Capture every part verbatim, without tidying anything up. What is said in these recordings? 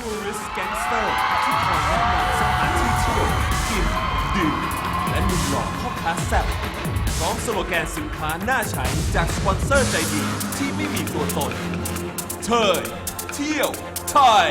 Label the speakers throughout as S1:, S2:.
S1: Tourist Gangster ที่คอยแนะนำสถานที่เที่ยวกินดื่มและหนุ่มหล่อพ่อค้าแซ่บพร้อมสโลแกนสินค้าน่าใช้จากสปอนเซอร์ใจดีที่ไม่มีตัวตนเทยเที่ยวไทย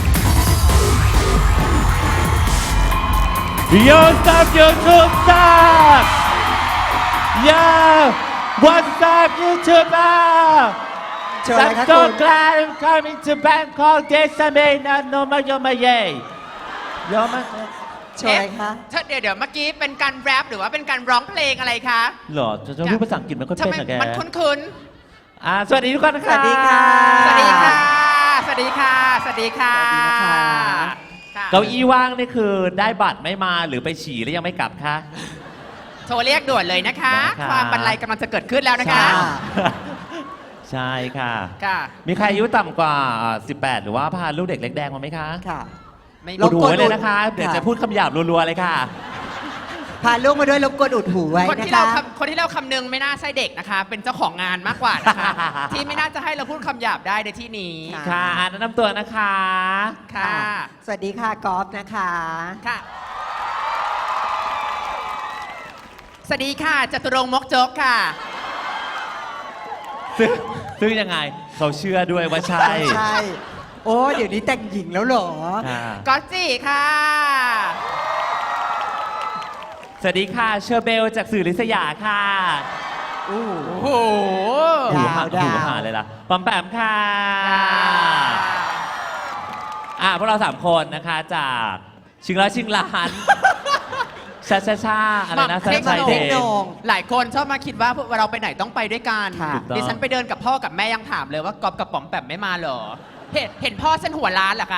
S2: Yo, stop YouTube, stop! Yo, what's up, YouTuber?
S3: เชิญเลยครับ
S2: I'm so
S3: คุณ
S2: glad I'm coming to Bangkok this summer. No, no, my, yo, my, yay. Yo, my.
S3: โชว์อะไรคะ
S4: เอ๊เดี๋ยวเดี๋ยวเมื่อกี้เป็นการแรปหรือว่าเป็นการร้องเพลงอะไรคะ
S2: หรอจะจะพูดภาษาอังกฤษมันก็
S4: ทำ
S2: เป็น
S4: ไม
S2: อะแก
S4: มันคุ้น
S2: อ่าสวัสดีทุกคนนะ
S3: ส
S2: คะ
S3: วัสดีค่ะ
S4: ๆ สวัสดีค่ะ สวัสดีค่ะ สวัสดีค่ะ
S3: สวัสดีนะคะ
S4: ค่ะ
S2: เก้าอี้ว่างนี่คือได้บัตรไม่มาหรือไปฉี่แล้วยังไม่กลับคะ
S4: โทรเรียกด่วนเลยนะคะ
S2: นะคะ
S4: ความบรรลัยกำลังจะเกิดขึ้นแล้วนะคะ
S3: ค่ะ
S2: ใช่ค่ะ
S4: ค่ะ
S2: มีใครอายุต่ำกว่าอ่าสิบแปดหรือว่าพาลูกเด็กเล็กแดงมาไหมคะ
S3: ค่ะ
S4: ไม่
S3: รบ
S2: ดู
S3: กวน
S2: ไว้เลยนะคะ
S3: อุด
S2: เดี๋ยว
S3: ค่ะ
S2: จะพูดคำหยาบรัวๆเลยค่ะ
S3: พาลูกมาด้วยรบกวนอุดหูไว้
S4: คน
S3: นะ
S4: ที่เรา
S3: คะ
S4: คำคนที่เราคำนึงไม่น่าใช่เด็กนะคะ เป็นเจ้าของงานมากกว่านะคะ ที่ไม่น่าจะให้เราพูดคำหยาบได้ในที่นี้
S3: ค่ะ
S2: ค่ะแนะนำตัวนะคะ
S4: ค่ะ
S3: สวัสดีค่ะกอล์ฟนะคะ
S4: ค่ะ สวัสดีค่ะจตุรงค์มกจกค่ะ
S2: ซึ่งซึ่งยังไงเขาเชื่อด้วยว่าใช่
S3: ใช่ โอ้เดี๋ยวนี้แต่งหญิงแล้วเหรอ
S2: ค่ะ
S4: ก๊อตจีค่ะ
S2: สวัสดีค่ะเชอร์เบลจากสื่อลิษยาค่ะ
S3: อู้
S4: โอ้โห
S2: หู
S3: ดาว
S2: หา
S3: ดาว
S2: หูหาเลยล่ะปอมแปมค่ะ
S4: ค่ะ
S2: อ่ะพวกเราสามคนนะคะจากชิงร้อยชิงล้านชาชาชาอะไรนะ
S4: หม่ำเทคโน
S2: ชัยเด
S3: เทค
S2: ช
S3: โนง
S4: หลายคนชอบมาคิดว่าพวกเราไปไหนต้องไปด้วยกัน
S3: ค่ะ
S2: ถูกต้อง
S4: ดิฉันไปเดินกับพ่อกับแม่ยังถามเลยว่ากอบกับป๋อมแปมไม่มาเหรอ เห็นเห็นพ่อฉันหัวล้านเหรอคะ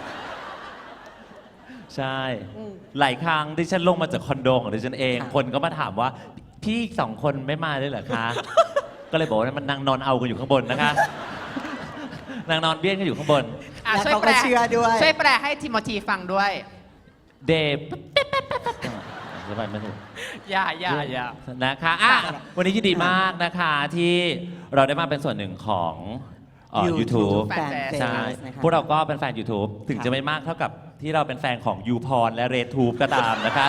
S2: ใช่ หลายครั้งดิฉันลงมาจากคอนโดของดิฉันเอง
S3: ค่ะ
S2: คนก็มาถามว่า พี่สองคนไม่มาด้วยเหรอคะ ก็เลยบอกว่ามันนางนอนเอากันอยู่ข้างบนนะคะ นางนอนเบี้ยนกันอยู่ข้างบน
S4: อ่ะ
S3: แล้ว
S4: ช่วย
S3: เขา
S4: แปล
S3: ก็เชื่อด้วย
S4: ช่วยแปลให้ทิโมธีฟังด้วย
S2: เดบสบายไม่ถูก
S4: อย่าอย่าอย่า
S2: นะคะอ่ะวันนี้ยินดีมากนะคะที่เราได้มาเป็นส่วนหนึ่งของเอ่อ YouTube
S3: แฟนเฟซ
S2: ใช่
S3: นะคะ
S2: พวกเราก็เป็นแฟน YouTube ถึง
S3: ค่ะ
S2: จะไม่มากเท่ากับที่เราเป็นแฟนของยูพรและเรทูบก็ตามนะคะ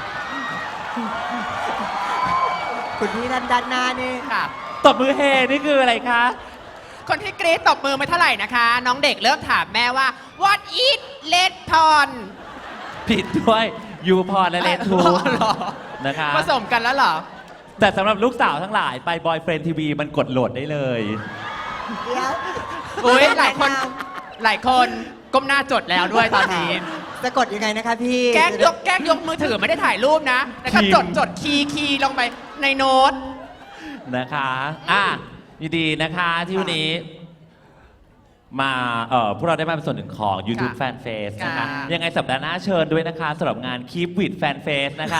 S3: คุณพี่ด้านด้านหน้านี่
S4: ค่ะ
S2: ตบมือเฮนี่คืออะไรคะ
S4: คนที่กรี๊ดตบมือไม่เท่าไหร่นะคะ น้องเด็กเริ่มถามแม่ว่า what is red porn
S2: ผิดด้วยยูพรและเรทู
S4: อ๋
S2: บ
S4: อเหรอ
S2: นะคะ
S4: ผสมกันแล้วเหรอ
S2: แต่สำหรับลูกสาวทั้งหลายไปบอยเฟรนทีวีมันกดโหลดได้เลย
S3: เดี๋ยว
S4: อุ้ยหลายคนหลายคนก้มหน้าจดแล้วด้วยตอนนี้
S3: สะกดยังไงนะคะพี่
S4: แกล้งยกแกล้งยกมือถือไม่ได้ถ่ายรูปนะนะครับ
S2: พิมพ์
S4: จดจดคีย์คีย์ลงไปในโน้ต
S2: นะคะอ่ะยินดีนะคะที่วันนี้ มาเอ่อพวกเราได้มาเป็นส่วนหนึ่งของ YouTube
S4: ค่ะ
S2: Fan Face นะคะ
S4: ค่ะ
S2: ยังไงสัปดาห์หน้าเชิญด้วยนะคะสำหรับงาน Keep with Fan Face นะคะ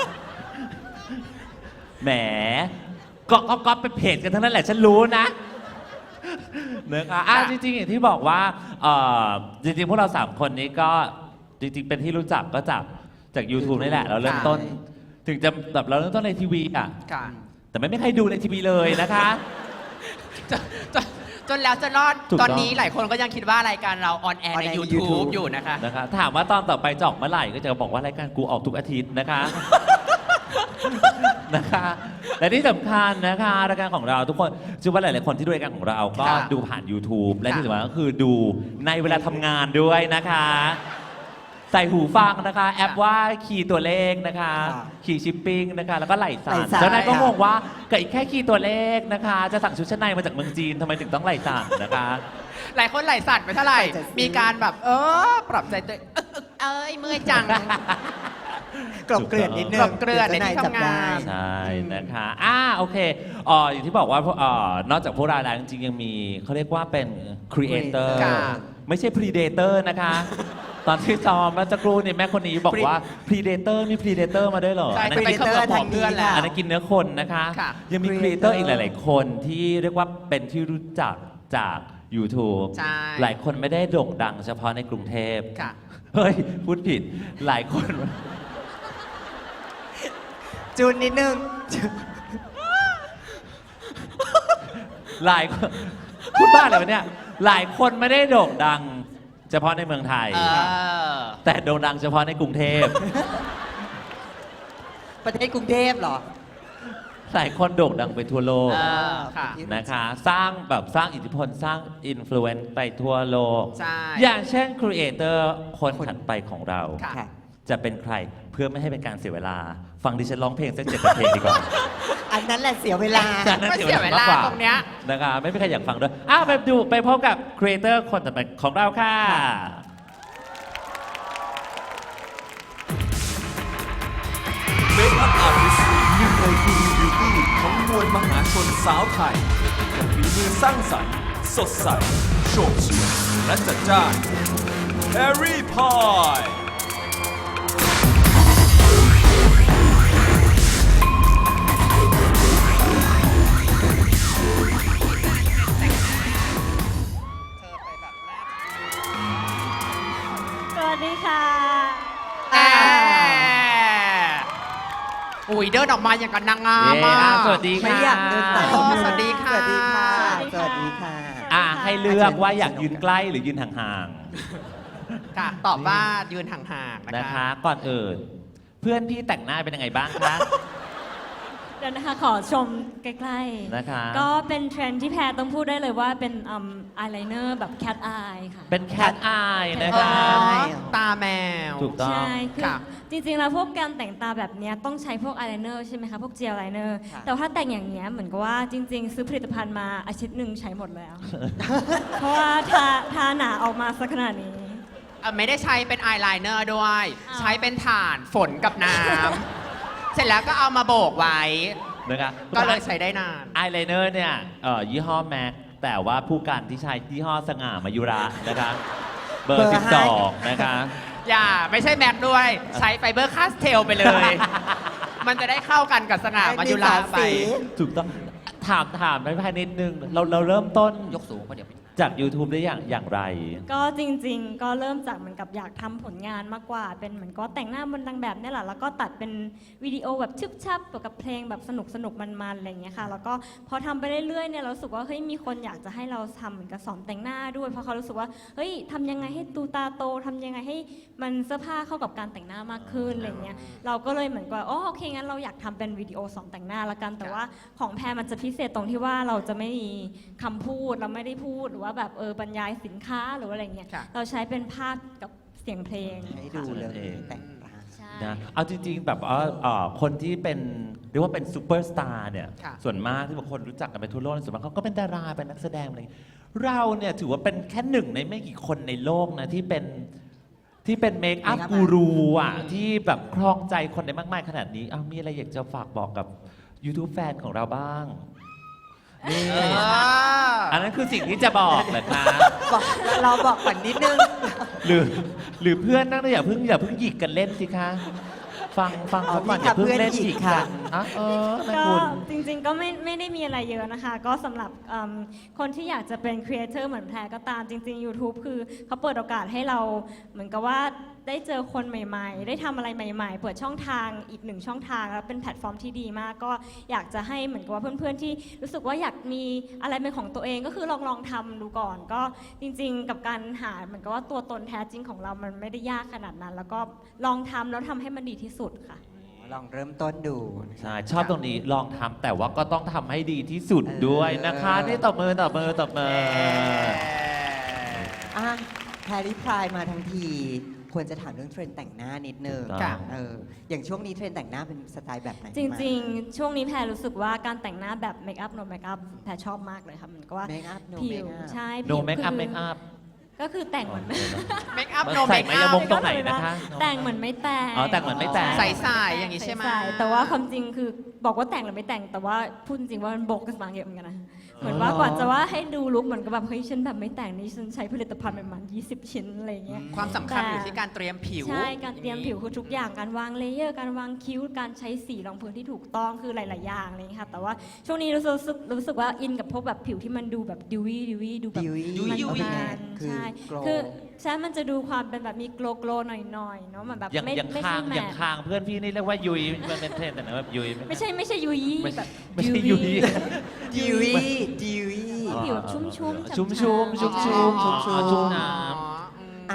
S2: แหมก็ก็ก็เป็นเพจกันทั้งนั้นแหละฉันรู้นะนะคะอ่ะจริงๆอย่างที่บอกว่าเอ่อจริงๆ พวกเราสามคนนี้ก็จริงๆ เป็นที่รู้จักก็จากจาก YouTube นี่แหละ เราเริ่มต้น ถึงจะแบบเราเริ่มต้นในทีวีอ่ะ
S4: ค่ะ
S2: แต่ไม่มีใครดูในทีวีเลยนะคะ
S4: จนจนจนแล้วจะรอด
S2: ถูก
S4: ต
S2: ต้
S4: อ
S2: อน ง
S4: นี้หลายคนก็ยังคิดว่ารายการเราออนแอร์ใน
S3: on air ใน
S4: YouTube
S3: YouTube
S4: อยู่นะคะ
S2: นะคะถามว่าตอนต่อไปจะออกเมื่อไหร่ก็จะบอกว่ารายการกูออกทุกอาทิตย์นะคะ นะคะและที่สำคัญนะคะรายการของเราทุกคนเชื่อว่าหลายๆคนที่ดูรายการของเราก็
S4: ค่ะ
S2: ดูผ่าน YouTube และ
S4: ค่ะ
S2: ที่สำคัญก็คือดูในเวลาทำงานด้วยนะคะ ใส่หูฟังนะคะ แอปว่าคีย์ตัวเลขนะคะ
S3: ค่ะ
S2: คีย์ชิปปิ้งนะคะแล้วก็ไหล
S3: ไหล่
S2: สั่น
S3: สั่น
S2: แล้วนายก็
S3: ค่ะ
S2: งงว่ากับอีกแค่คีย์ตัวเลขนะคะ จะสั่งชุดชั้นในมาจากเมืองจีนทำไมถึงต้องไหลสั่นนะคะ
S4: หลายคนไหลสั่นไปเท่าไหร่
S3: ใส่จะซื้อ
S4: มีการแบบ เออ ปรับใจตัวเองเอ้ยเมื่อยจัง
S3: กลบเกลื่อนนิดนึง
S4: กลบเกลื่อนในที่
S3: ดี๋ยวจ้
S4: ทำงาน
S3: จับได้
S2: ใช่นะคะอ่าโอเคอ๋ออย่างที่บอกว่าเอ่อนอกจากพวกเราแล้วจริงๆยังมีเขาเรียกว่าเป็นครีเอเตอร์
S4: ค่ะ
S2: ไม่ใช่พรีเดเตอร์นะคะ ตอนที่ซ้อมเมื่อสักครู่นี่แม่คนนี้บอกว่าพรีเดเตอร์มีพรีเดเตอร์มาด้วยเหรอ
S4: ใช่
S2: อัน
S4: จะ
S2: นั้น
S4: ไป
S2: กิน
S4: เขมือบหัวเพื่อนแล้ว
S2: อันนั้นกินเนื้อคนนะคะ
S4: ค่ะ
S2: ยังมีครีเอเตอร์อีกหลาย ๆ คนที่เรียกว่าเป็นที่รู้จักจาก YouTube
S4: ใช่
S2: หลายคนไม่ได้โด่งดังเฉพาะในกรุงเทพ
S4: ค่ะ
S2: เฮ้ยพูดผิดหลายคน
S3: จูนนิดนึง
S2: หลายคนพูดบ้าอะไรวะเนี่ยหลายคนไม่ได้โด่งดังเฉพาะในเมืองไทย
S4: เออ
S2: แต่โด่งดังเฉพาะในกรุงเทพ
S3: ประเทศกรุงเทพเหรอ
S2: หลายคนโด่งดังไปทั่วโลก
S4: เออค่ะ
S2: นะคะ สร้างแบบสร้างอิทธิพลสร้างอินฟลูเอนซ์ไปทั่วโลก
S4: ใช่
S2: อย่างเช่นครีเอเตอร์คนถัดไปของเรา
S4: ค่ะ
S3: ค่ะ
S2: จะเป็นใครเพื่อไม่ให้เป็นการเสียเวลา ฟังดิฉันร้องเพลงสักเจ็ดเพลงดีกว่า
S3: อันนั้นแหละเสียเวลา
S2: จากนั้น
S4: ไม่เสียเวลาตรงเนี้ย
S2: นะคะไม่มีใครอยากฟังด้วยอ้าวไปดูไปพบกับครีเอเตอร์คนต่อไปของเราค่ะ
S1: เมคอัพอาร์ติสต์หนึ่งในกูรูบิวตี้ของมวลมหาชนสาวไทยกับฝีมือสร้างสรรค์สดใสโฉบเฉี่ยวและจัดจ้านแฮร์รี่พาย
S5: สวัสดีค่ะ
S4: แหมอุ้ยเดินออกมาอย่างกับนางงาม
S2: เย้
S4: อะ
S2: สวัสดี
S3: ไม่
S2: ค่ะ
S3: อยากเดินตาม
S4: อ๋อสวัสดีค่ะ
S3: สวัสดีค่ะ
S5: ส
S3: ส
S5: วั
S3: วั
S5: ส
S3: ส
S5: ดี
S3: ดี
S5: ค่ะ
S3: ค่ะ
S2: อ่ะให้เลือกว่าอยากยืนใกล้หรือยืนห่าง
S4: ค่ะ ตอบว่ายืนห่างๆ
S2: ๆ
S4: นะ
S2: นะคะ
S4: คะ
S2: ก่อนอื่น เพื่อนพี่แต่งหน้าเป็นยังไงบ้างคะ
S5: เดี๋ยวนะคะขอชมใกล้ๆ
S2: นะคะ
S5: ก็เป็นเทรนด์ที่แพรต้องพูดได้เลยว่าเป็นอายไลเนอร์แบบแคทอายค่ะ
S2: เป็นแคทอายนะ
S4: อ๋อ
S2: คะ
S4: ตาแมว
S2: ถูกต้อง
S5: ใช่คือ
S4: ค่ะ
S5: จริงๆ แล้วพวกการแต่งตาแบบเนี้ยต้องใช้พวกอายไลเนอร์ใช่ไหมคะ พวกเจลไลเนอร์
S3: ค่ะ
S5: แต่ว่าถ้าแต่งอย่างเงี้ยเหมือนกับว่าจริง ๆ ซื้อผลิตภัณฑ์มาอาทิตย์หนึ่งใช้หมดแล้ว เพราะว่าทาทาหนาออกมาสักขนาดนี้
S4: อ่ะไม่ได้ใช้เป็นอายไลเนอร์ด้วย
S5: อ้าว
S4: ใช้เป็นถ่านฝนกับน้ำ เสร็จแล้วก็เอามาโบกไว้
S2: นะคะ
S4: ก็เลยใช้ได้นาน
S2: อายไลเนอร์เนี่ยเอ่อยี่ห้อแม็กแต่ว่าผู้กันที่ใช้ยี่ห้อสง่ามายุระนะคะ เบอ
S3: เบอ
S2: ร์
S3: ร์
S2: สิบ
S3: ห้า
S2: สองนะคะ
S4: อย่าไม่ใช่แม็กด้วย ใช้ไฟเบอร์คาสเทลไปเลย มันจะได้เข้ากันกับสง่ามายุราไป
S2: ถูกต้องถามถามไปภายนิดนึง เราเราเริ่มต้น
S4: ยกสูงก็เดี๋ยวไป
S2: จาก YouTube ได้อย่างอย่างไร
S5: ก็จริงๆ ก็เริ่มจากเหมือนกับอยากทำผลงานมากกว่า เป็นเหมือนก็แต่งหน้าบนนางแบบเนี่ยแหละ แล้วก็ตัดเป็นวิดีโอแบบชึบชับกับเพลงแบบสนุกสนุกๆมันๆอะไรอย่างเงี้ยค่ะ แล้วก็พอทำไปเรื่อยๆ เนี่ยเรารู้สึกว่าเฮ้ยมีคนอยากจะให้เราทำเหมือนกับสอนแต่งหน้าด้วย เพราะเขารู้สึกว่าเฮ้ยทำยังไงให้ตูตาโตทำยังไงให้มันเสื้อผ้าเข้ากับการแต่งหน้ามากขึ้นอะไรเงี้ย เราก็เลยเหมือนกับอ๋อโอเคงั้นเราอยากทำเป็นวิดีโอสอนแต่งหน้าละกัน แต่ว่าของแพรมันจะพิเศษตรงที่ว่าเราจะไม่มีคำพูดเราไม่ได้พูดหรือว่าแบบเออบรรยายสินค้าหรือว่าอะไรเงี้ย
S4: ค่ะ
S5: เราใช้เป็นภาพกับเสียงเพลง
S3: ให้ดูเลย
S2: เอง
S3: แต่งตา
S5: ใช่
S2: นะเอาจริง ๆ แบบว่าเอ่อคนที่เป็นเรียกว่าเป็นซูเปอร์สตาร์เนี่ย
S4: ค่ะ
S2: ส่วนมากที่บางคนรู้จักกันไปทั่วโลกส่วนมากเขาก็เป็นดาราเป็นนักแสดงอะไรอย่างเงี้ยเราเนี่ยถือว่าเป็นแค่หนึ่งในไม่กี่คนในโลกนะที่เป็นที่เป็นเมคอัพ
S3: Make up
S2: กูรูอ่ะที่แบบครองใจคนได้มากมายขนาดนี้อ้าวมีอะไรอยากจะฝากบอกกับ YouTube แฟนของเราบ้างนี่
S4: เออ
S2: อันนั้นคือสิ่งที่จะบอกเหรอคะ
S3: บอกเราบอกก่อนนิดนึง
S2: หรือหรือเพื่อนนั่งอย่าเพิ่งอย่าเพิ่งหยิกกันเล่นสิคะ ฟังฟังเขาก่อนอย่าเพิ่งเล่นหยิกกันนะเออนะ
S5: ก็
S2: คุณ
S5: จริงๆก็ไม่ไม่ได้มีอะไรเยอะนะคะ ก็สำหรับเอิ่มคนที่อยากจะเป็นครีเอเตอร์เหมือนแพรก็ตามจริง ๆ YouTube คือเขาเปิดโอกาสให้เราเหมือนกับว่าได้เจอคนใหม่ ๆ ได้ทำอะไรใหม่ ๆ เปิดช่องทางอีกหนึ่งช่องทางแล้วเป็นแพลตฟอร์มที่ดีมาก ก็อยากจะให้เหมือนกับว่าเพื่อนๆที่รู้สึกว่าอยากมีอะไรเป็นของตัวเองก็คือลองลองทำดูก่อน ก็จริง ๆ กับการหาเหมือนกับว่าตัวตนแท้จริงของเรามันไม่ได้ยากขนาดนั้น แล้วก็ลองทำแล้วทำให้มันดีที่สุดค่ะ
S3: ลองเริ่มต้นดู
S2: ใช่ ชอบตรงนี้ลองทำแต่ว่าก็ต้องทำให้ดีที่สุดด้วยนะคะ
S3: เออ
S2: นี่ตบมือตบมือตบมือ
S3: อ่ะแพรรี่พรายมาทั้งที ควรจะถามเรื่องเทรนด์แต่งหน้านิดนึง
S2: ค่ะ
S3: เอออย่างช่วงนี้เทรนด์แต่งหน้าเป็นสไตล์แบบไหน
S5: จริงๆ ช่วงนี้แพรรู้สึกว่าการแต่งหน้าแบบเมคอัพโนเมคอัพแพรชอบมากเลยค่ะมันก็ว่า
S3: เมคอัพโน
S5: ผิ
S3: เมคว อัพ
S5: ใช่
S2: โน
S5: ผิว
S2: เมคอัพ
S5: คือ
S2: เมคอัพ
S5: ก็คือแต่งเหมือน
S4: เมคอัพ
S2: มัน
S4: โน
S2: ใส่
S4: เมค
S2: ไหม
S4: อั
S2: ยา
S4: พ
S2: มง ตรงไหนนะคะ
S5: แต่งเหมือนไม่แต่ง
S2: อ๋อแต่งเหมือนไม่แต่ง
S4: ใสๆอย่างนี้ใช่ไหม
S5: ใสๆแต่ว่าความจริงคือบอกว่าแต่งหรือไม่แต่งแต่ว่าพูดจริงว่ามันโบกกันมาเยอะเหมือนกันนะเหมือนว่ากว่าจะว่าให้ดูลุคเหมือนกับแบบเฮ้ยฉันแบบไม่แต่งนี่ฉันใช้ผลิตภัณฑ์ประมาณยี่สิบชิ้นอะไรเงี้ย
S4: ความสำคัญอยู่ที่การเตรียมผิว
S5: ใช่ การเตรียมผิวคือทุกอย่าง การวางเลเยอร์ การวางคิ้ว การใช้สีรองพื้นที่ถูกต้อง คือหลาย ๆ อย่างอะไรอย่างเงี้ยค่ะ แต่ว่าช่วงนี้รู้สึกรู้สึกว่าอินกับพวกแบบผิวที่มันดูแบบดิวี่ดิวี่ดูแบบ
S3: Dewy
S5: มัน
S4: Dewy
S5: มัน
S3: คือ
S5: ใช่
S3: glow
S5: คือใช่มันจะดูความเป็นแบบมีโกลโกลหน่อย ๆ เนาะมันแบบ
S2: อย่าง
S5: ไม่
S2: อย่าง
S5: ไม่
S2: คา
S5: ใช่
S2: ง
S5: แม
S2: อย่าง
S5: ท
S2: คางเพื่อนพี่นี่เรียกว่ายุยมันเป็นเทรนด์แต่นะแบบยุย
S5: ไม่ใช่ไม่ใช่ยุย
S2: ไม่
S5: แบบ
S2: ไม่ใช่ยุย
S3: ดิวีดิวี
S5: ผิวชุ่มๆ
S2: ชุ่มชุ่มชุ่มชุ่มชุ่มชุ่มชุ่มน้
S3: อ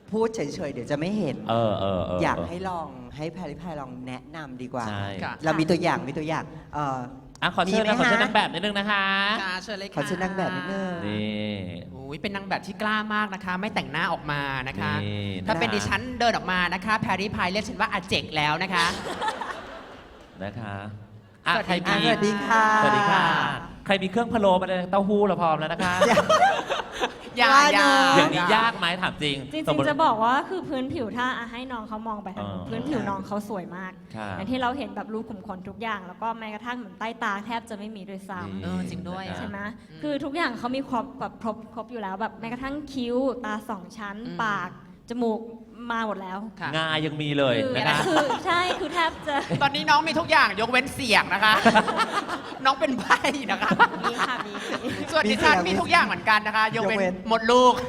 S3: พูดเฉยๆ เดี๋ยวจะไม่เห็น
S2: เออเออเออ
S3: อยากให้ลองให้แพรรี่พายลองแนะนำดีกว่า
S2: ใช่
S4: ค่ะ
S3: เรามีตัวอย่างมีตัวอย่างเอ่อ
S2: อ่ะขอเชิญ
S3: มี
S2: นะ
S3: ไหม
S2: ขอเชิญ
S3: ฮะ
S2: นางแบบนิดนึงนะคะ
S4: ค่ะเชิญเลย
S3: ข
S4: ค่ะ
S3: อเชิญนางแบบนิดนึง
S2: นี่
S4: โอ้ยเป็นนางแบบที่กล้ามากนะคะ ไม่แต่งหน้าออกมานะคะ
S2: นี่
S4: ถ้าเป็น
S2: นะคะ
S4: ดิฉันเดินออกมานะคะ แพรรี่พายเรียกฉันว่าอาเจกแล้วนะคะ
S2: นะคะอ่ะ
S4: สวัสดี
S2: ใคร
S3: อ่ะ
S2: มี
S3: สวัสดีค่ะ
S2: สวัสดีค่ะ ใครมีเครื่องพะโล้มาเลยเต้าหู้เราพร้อมแล้วนะคะ
S4: อย่า
S3: ว่า
S4: อย่า
S3: เนอะ
S2: อย่างนี้ยากไหมถามจริง
S5: จริง
S2: สมมุติ
S5: ๆ จะบอกว่าคือพื้นผิวถ้าอ่ะให้น้องเขามองไปทาง
S2: เออ
S5: พื้นผิวน้องเขาสวยมาก
S2: ครับ
S5: อย่างที่เราเห็นแบบรูขุมขนทุกอย่าง แล้วก็แม้กระทั่งเหมือนใต้ตาแทบจะไม่มีด้วยซ้
S2: นี่
S4: เออจริงด้วย
S5: ำใช่ไหม
S4: อืม
S5: คือทุกอย่างเขามีครบแบบครบครบอยู่แล้วแบบแม้กระทั่งคิ้วตาสองชั้น
S4: อืม
S5: ปากจมูกมาหมดแล้ว
S4: ค่ะ
S2: งายังมีเลย
S5: คือ
S2: นะคะ
S5: คือใช่คือแทบจะ
S4: ตอนนี้น้องมีทุกอย่างยกเว้นเสียงนะคะ น้องเป็นใบนะคะ
S5: มีค่ะมีมี
S4: ส่วน
S3: มี
S4: ดิฉัน
S3: เสียง
S4: มีทุกอย่างเหมือนกันนะคะ ยกเว้
S3: ยกเว้
S4: น
S3: น
S4: หมดลูก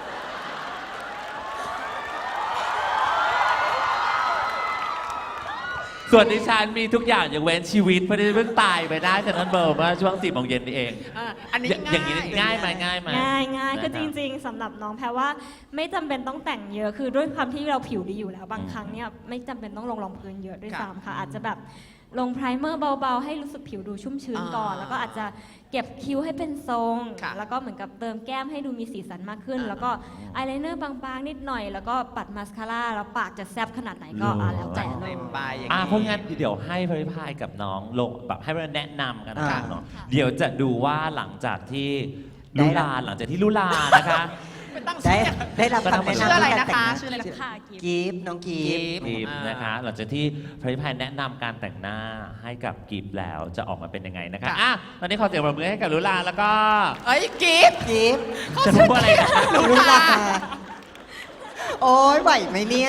S2: ส่วนดิฉันมีทุกอย่างอย่างเว้นชีวิตเพราะดิฉันเพิ่งตายไปได้จากนั้นเบอร์เมื่อช่วงสี่โมงเย็นนี่เอง
S4: อ่ะอันนี้
S2: อย่าอย่างนี้ง่ายไหมง่ายไหม
S5: ง่ายง่ายคือ
S2: นะ
S5: จ
S2: รับ
S5: ริง ๆสำหรับน้องแพรว่าไม่จำเป็นต้องแต่งเยอะคือด้วยความที่เราผิวดีอยู่แล้ว บาง
S2: อืม
S5: ครั้งเนี่ยไม่จำเป็นต้องลงรองพื้นเยอะด้วย
S4: ค่ะ
S5: ซ้ำค่ะ อาจจะแบบลงไพรเมอร์เบาๆ ให้รู้สึกผิวดูชุ่มชื้นก่อน
S4: อ่า
S5: แล้วก็อาจจะเก็บคิ้วให้เป็นทรง
S4: ค่ะ
S5: แล้วก็เหมือนกับเติมแก้มให้ดูมีสีสันมากขึ้น
S4: อ่า
S5: แล้วก็อายไลเนอร์บางๆนิดหน่อย แล้วก็ปัดมาสคาร่าแล้วปากจะแซบขนาดไหนก็อ่ะแล้วแต่เล
S4: เต็
S5: ย
S4: มใบอย่าง
S2: อ่ะ
S4: นี้
S2: เพราะงั้นเดี๋ยวให้พริพายกับน้องลงแบบให้เราแนะนำกันนะครับ
S3: อ่า
S2: เนาะเดี๋ยวจะดูว่าหลังจากที่
S3: ได้
S2: ลุ
S3: ละ
S2: ลาหลังจากที่ลุลานะคะ
S4: ไม่ตั้ง
S3: ได้
S4: ชื่อ
S3: ได้รับคำแนะนำ
S4: ชื่ออะไร
S3: ใน
S4: นะ
S3: การแต่ง
S4: คะ
S3: หา
S4: ชื่ออะไร
S5: ค่ะกิฟต์
S3: กิฟต์น้องกิฟต์
S4: กิฟต์
S2: กีบ
S4: อ่าน
S2: นะคะ หลังจากที่พริพายแนะนำการแต่งหน้าให้กับกีบแล้วจะออกมาเป็นยังไงนะคะ
S4: ค่ะ
S2: อ่ะตอนนี้ขอเสียงปรบมือให้กับลุลาแล้วก็
S4: เอ้ยกิฟต์
S3: กิฟต์
S2: จะพูดว่าอะไรนะคะ
S3: ลุลาโอ้ยไหวไหมเนี่ย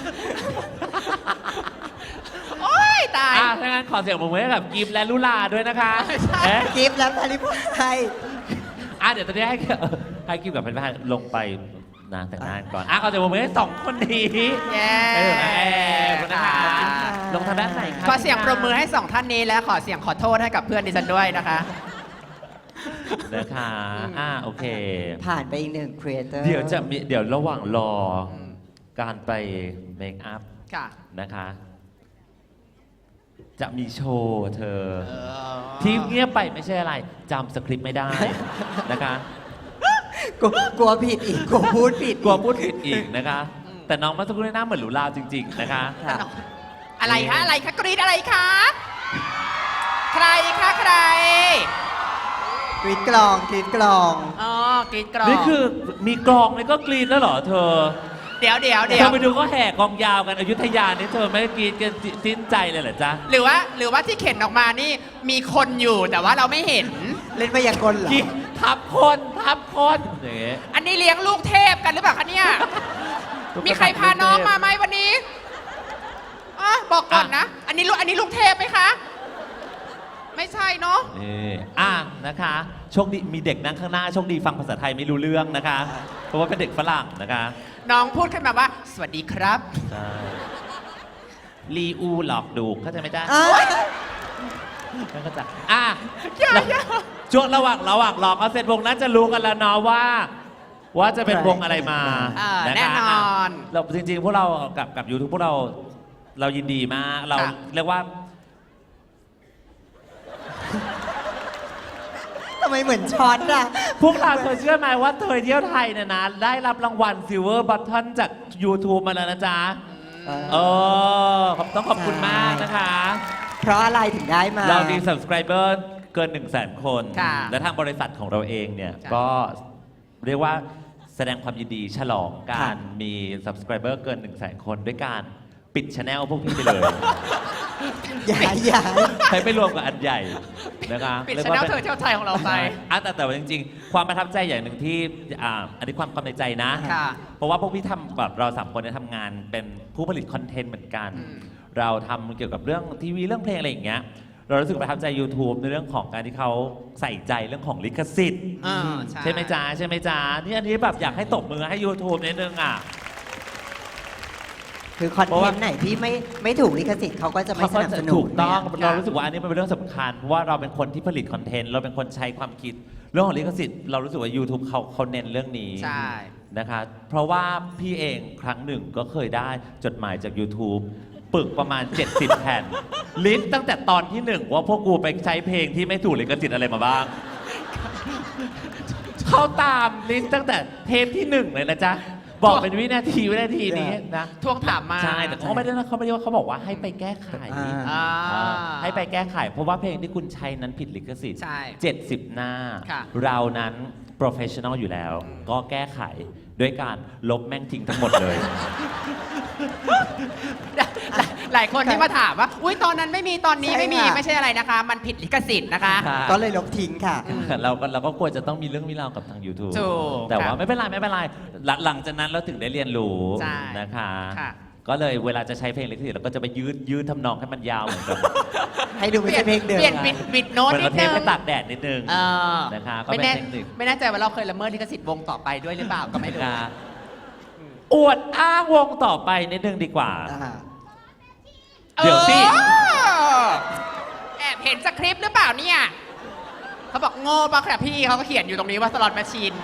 S4: โอ้ยตาย
S2: อ่ะถ้างั้นขอเสียงปรบมือให้กับกีบและลุลาด้วยนะคะ
S4: ใช่
S2: เอ๊ะ
S3: กิฟต์และแพรรี่พาย
S2: อ่ะเดี๋ยวตอนนี้ให้ให้กีบกับพริพายลงไปนะแต่งหน้าก่อนอ่ะขอเสียงปรบมือให้สองคนนี้
S4: เย้
S2: ไปถึงนะแอร์คุณนะคะ
S3: ขอบคุณค่ะ
S2: ลงทางด้านไหนคะ
S4: ขอเสียงปรบมือให้สองท่านนี้และขอเสียงขอโทษให้กับเพื่อนดิฉันด้วยนะคะ
S2: นะคะอ่าโอเค
S3: ผ่านไปอีกหนึ่งครีเอเตอร์
S2: เดี๋ยวจะมีเดี๋ยวระหว่างรออ
S4: ม
S2: การไปเมคอัพ
S4: ค่ะ
S2: นะคะ จะมีโชว์เธอ
S4: เออ
S2: ที่เงียบไปไม่ใช่อะไรจำสคริปต์ไม่ได้นะคะ
S3: กลัวกลัวผิดอีกกลัวพูดผิด
S2: กลัวพูดผิดอีกนะคะ แต่น้องเมาสักครู่นี้หน้าเหมือนหรูลาจริง ๆ นะคะ
S3: ค่ะ
S4: อะไรคะอะไรคะกรีดอะไรคะ ใครคะใคร
S3: กรีดกลองกรีดกลอง
S4: อ๋อกรีดกรอง
S2: นี่คือมีกลองเลยก็กรีดแล้วเหรอเธอ
S4: เดี๋ยวเดี๋ยวเดี๋
S2: เธ
S4: ยว
S2: อไปดูก็แห่กองยาวกันอยุธยานี่เธอไม่กรีดกันสิ้นใจเลยเหรอจ๊ะ
S4: หรือว่าหรือว่าที่เข็นออกมานี่มีคนอยู่แต่ว่าเราไม่เห็น
S3: เล่นพยากลเหรอ
S2: กรีดทับคนทับคนอย่างเงี้ย
S4: อันนี้เลี้ยงลูกเทพกันหรือเปล่าคะเนี่ย มีใครพาน้องมาไหมวันนี้อ่ะบอกก่อนนะ อันนี้ลูกอันนี้ลูกเทพไหมคะ ไม่ใช่เนาะ
S2: นี่อ่ะนะคะ โชคดีมีเด็กนั่งข้างหน้าโชคดีฟังภาษาไทยไม่รู้เรื่องนะคะ เพราะว่าเป็นเด็กฝรั่งนะคะ
S4: น้องพูดขึ้นมาว่า สวัสดีครับ
S2: ใช่ลีอูหลอกดูเข้าใจไหมจ๊ะ
S3: อ้าว
S2: ไม่เข้าใจอ่ะ
S4: อย่าอย่า
S2: ช่วงระหว่างระหว่างรอเขาเสร็จวงน่าจะรู้กันแล้วเนาะว่า ว่าจะเป็นวงอะไรมา
S4: อ่า
S2: ะคะ
S4: แน่นอน
S2: ะเราจริงๆ พวกเรากับกับยูทูบพวกเราเรายินดีมากเรา
S4: ค่ะ
S2: เรียกว่า
S3: ทำไมเหมือนช็อตอะ
S2: พวกเราเคยเชื่อไหมว่าเธอเที่ยวไทยเนี่ยนะ ได้รับรางวัลซิลเวอร์บัตทอนจาก YouTube มาแล้วนะจ๊ะ
S3: เออ
S2: เออขอบต้องขอบคุณมากนะคะ
S3: เพราะอะไรถึงได้มา
S2: เรามี subscriber เกิน 1 0 0 0 0แสนคน
S4: ค่ะ
S2: และทางบริษัทของเราเองเนี่ย
S4: จ้ะ
S2: ก็เรียกว่าแสดงความยินดีฉลองกา
S3: ค่ะ
S2: รมี subscriber เกิน 1 0 0 0 0แสนคนด้วยการปิดช anel พวกพี่ไปเลย
S3: อย่าอย่า
S2: ใช้ไปรวมกับอันใหญ่นะคะ
S4: ปิด
S2: รียก
S4: ช
S2: ว่า
S4: แนล
S2: ป็น
S4: เธอเที่ยวไทยของเราไป
S2: อ่ะแต่แต่ว่าจริงๆ ความประทับใจอย่างหนึ่งที่อ่าอันนี้ความความในใจนะ
S4: ค่ะ
S2: เพราะว่าพวกพี่ทำแบบเราสามคนเนี่ยทำงานเป็นผู้ผลิตคอนเทนต์เหมือนกัน
S4: อืม
S2: เราทำเกี่ยวกับเรื่องทีวีเรื่องเพลงอะไรอย่างเงี้ย เรารู้สึกประทับใจ YouTube ในเรื่องของการที่เขาใส่ใจเรื่องของลิขสิทธิ์
S4: อ่า
S2: ใช่ไหมจ๊ะใช่ไหมจ๊ะนี่อันนี้แบบอยากให้ตบมือให้ YouTube นิดนึงอ่ะ
S3: คือคอน
S2: เพราะ
S3: เท
S2: ว่า
S3: นต์ไหนที่ไม่ไม่ถูกลิขสิทธิ์เขาก็จะไม่สนับสนุน
S2: ถูกต้อง
S3: เนี่ย
S2: เรารู้สึกว่าอันนี้มันเป็นเรื่องสำคัญเพราะว่าเราเป็นคนที่ผลิตคอนเทนต์เราเป็นคนใช้ความคิด เรื่องของลิขสิทธิ์เรารู้สึกว่า YouTube เขาเขาเน้นเรื่องนี้
S4: ใช่
S2: นะคะ เพราะว่าพี่เองครั้งหนึ่งก็เคยได้จดหมายจาก YouTube ปึกประมาณ เจ็ดสิบ แผ่น ลิสต์ตั้งแต่ตอนที่หนึ่งว่าพวกกูไปใช้เพลงที่ไม่ถูกลิขสิทธิ์อะไรมาบ้าง เข้าตามลิสต์ตั้งแต่เทปที่หนึ่งเลยนะจ๊ะ บอกเป็นวินาทีวินาทีนี้นะ
S4: ทวงถามมา
S2: ใช่ แต่เขาไม่ได้นะเขาไม่ได้ว่าเขาบอกว่าให้ไปแก้ไข
S3: อ่า
S4: อ่า
S2: อ่าให้ไปแก้ไข เพราะว่าเพลงที่คุณใช้นั้นผิดลิขสิทธิ์
S4: ใช่
S2: เจ็ดสิบ หน้า
S4: ค่ะ
S2: เรานั้น professional อยู่แล้ว ก็แก้ไขด้วยการลบแม่งทิ้งทั้งหมดเลย
S4: หลายหลายคนที่มาถามว่า อุ้ยตอนนั้นไม่มีตอนนี้
S3: ใช่
S4: ไม่มี
S3: ค่ะ
S4: ไม่ใช่อะไรนะคะ มันผิดลิขสิทธิ์นะคะ
S2: ค่ะ
S3: ก็เลยลบทิ้งค่ะ
S2: เราก็เราก็ควรจะต้องมีเรื่องมีราวกับทาง YouTube
S4: ถูก
S2: แต่ว่า
S4: ค่ะ
S2: ไม่เป็นไรไม่เป็นไรหลังหลังจากนั้นเราถึงได้เรียนรู้
S4: ใช่
S2: นะคะ
S4: ค่ะ
S2: ก็เลยเวลาจะใช้เพลงลิขสิทธิ์เราก็จะไปยืดยืดทำนองให้มันยาวเหมือนกับ
S3: ให้ดูไม่ใช่เพลงเดิม
S4: เปลี่ยนบิดบิดโน้ต
S2: เหมือน
S4: นิ
S2: เรา
S4: ด
S2: เท
S4: นึ
S2: ป
S4: ง
S2: ไปตากแดดนิดนึง
S4: เออ
S2: นะคะก็
S4: ไม่
S2: เป็น
S4: แน่
S2: เทคนิค
S4: ไม่แน่ใจว่าเราเคยละเมิดลิขสิทธิ์วงต่อไปด้วยหรือเปล่าก็ไม่รู้
S2: นะคะอวดอ้างวงต่อไปนิดนึงดีกว่า
S3: อ่า
S2: เดี๋ยวสิ
S4: เออแอบเห็นสคริปต์หรือเปล่าเนี่ยเขาบอกโง่ปะครับพี่เขาก็เขียนอยู่ตรงนี้ว่าสล็อตแมชชีน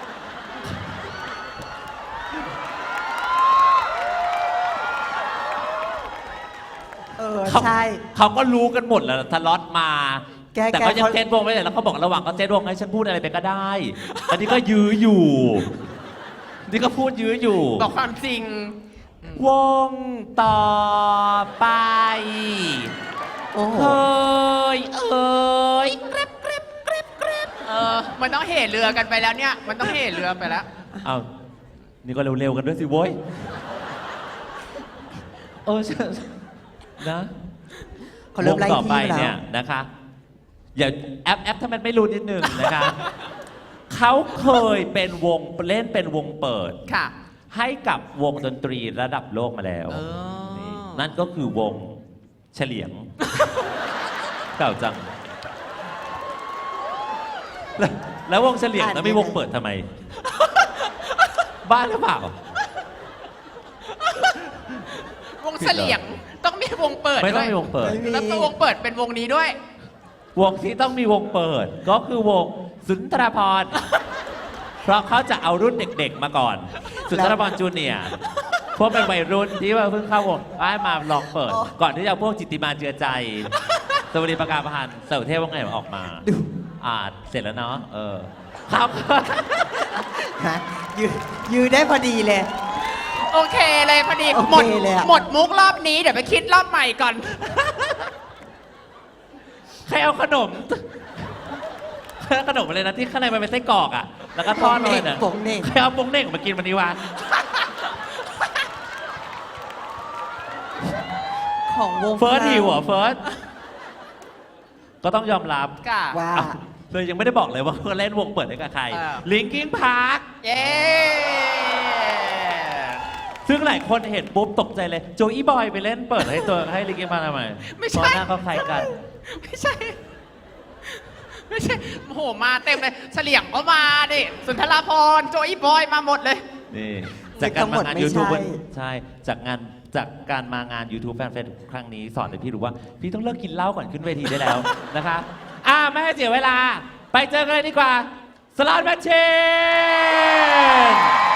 S3: เออ
S2: เขา
S3: ใช่
S2: เขาก็รู้กันหมดแล้วทะเลาะมา
S3: แก
S2: แต่เขา
S3: แก
S2: ยัง
S3: เขา
S2: เซตวงไม่ได้แล้วเขาบอกระหว่างเขาเซตวงให้ฉันพูดอะไรไปก็ได้อันนี้ก็ยื้ออยู่ นี่ก็พูดยื้ออยู่
S4: บอกความจริง
S2: วงต่อไป
S3: โอ้โห
S2: เฮ้ยเอ้ย
S4: เออ มันต้องเหเรือกันไปแล้วเนี่ย มันต้องเหเรือไปแล้ว
S2: เอานี่ก็เร็วๆกันด้วยสิโว้ยเออนะ
S3: เขาเริ่มไล่
S2: วงต่อไป
S3: ที่แล้ว
S2: เนี่ยนะคะอย่าแอปแอปถ้ามันไม่รู้นิดนึงนะคะ เขาเคยเป็นวงเล่นเป็นวงเปิด
S4: ค่ะ
S2: ให้กับวงดนตรีระดับโลกมาแล้ว
S4: เออ
S2: นี่นั่นก็คือวงเฉลียง เก่าจัง แล้วแล้ววงเฉลียง
S3: อ่าน
S2: แล้วมี
S3: ยังไง
S2: วงเปิดทำไม บ้าหรือเปล่า
S4: วงเสลียงต้องมีวงเปิด
S2: ไม่ต้
S4: ด้
S2: อง
S4: วย
S2: มีวงเปิด
S3: ไม่มี
S4: แล้วตัววงเปิดเป็นวงนี้ด้วย
S2: วงที่ต้องมีวงเปิด ก็คือวงสุนทรภรณ์ เพราะเขาจะเอารุ่นเด็กๆมาก่อน สุนทรภรณ์จูเนียร์พวกเป็นวัยรุ่นที่ว่าเพิ่งเข้าวงให้มาลองเปิด ก่อนที่จะเอาพวกจิตติมาเจือใจ สวัสดีประกาศพันธ์เสาเทพว่าไงออกมา
S3: ดู
S2: อ่าเสร็จแล้วเนาะเออครับ
S3: ฮะยืนยืนได้พอดีเลย
S4: โอเคเลยพอดี
S3: โอเค
S4: หมด
S3: เลยอะ
S4: หมดมุกรอบนี้เดี๋ยวไปคิดรอบใหม่ก่อน
S2: ใครเอาขนม ขนมอะไรนะที่ข้างในมันเป็นไส้กรอกอ่ะ แล้วก็ทอดเลยนะ
S3: โป่งเหน่ง
S2: ใครเอาโปงเน่งมากินวันนี้วะ
S3: ของวง
S2: เฟิร์สหิวเหรอเฟิร์สก็ต้องยอมรับ
S4: ค่ะ
S3: ว่า
S2: อ่ะเลยยังไม่ได้บอกเลยว่าเขาเล่นวงเปิดให้กับใคร
S4: อ่า
S2: ลิงกิ้งพาร์ค
S4: เย้
S2: ซึ่งหลายคนเห็นปุ๊บตกใจเลย โจอี้บอยไปเล่นเปิดให้ตัวให้ลิงกิ้งพาร์คทำไม
S4: ไม่
S2: เพราะ
S4: ใช่
S2: หน้าเขาคล้ายกัน
S4: ไม่ใช่ ไม่ใช่โอ้โหมาเต็มเลยเฉลียงก็มาดิสุนทรภรณ์โจอี้บอยมาหมดเลย
S2: นี่จากการมางาน
S3: ไม่
S2: YouTube
S3: ใช่
S2: ใช่จากงานจากการมางาน YouTube แฟนเฟซครั้งนี้สอนให้พี่รู้ว่า พี่ต้องเลิกกินเหล้าก่อนขึ้นเวทีได้แล้ว นะคะอ่าไม่ให้เสียเวลา ไปเจอกันเลยดีกว่าสลอตแมชชีน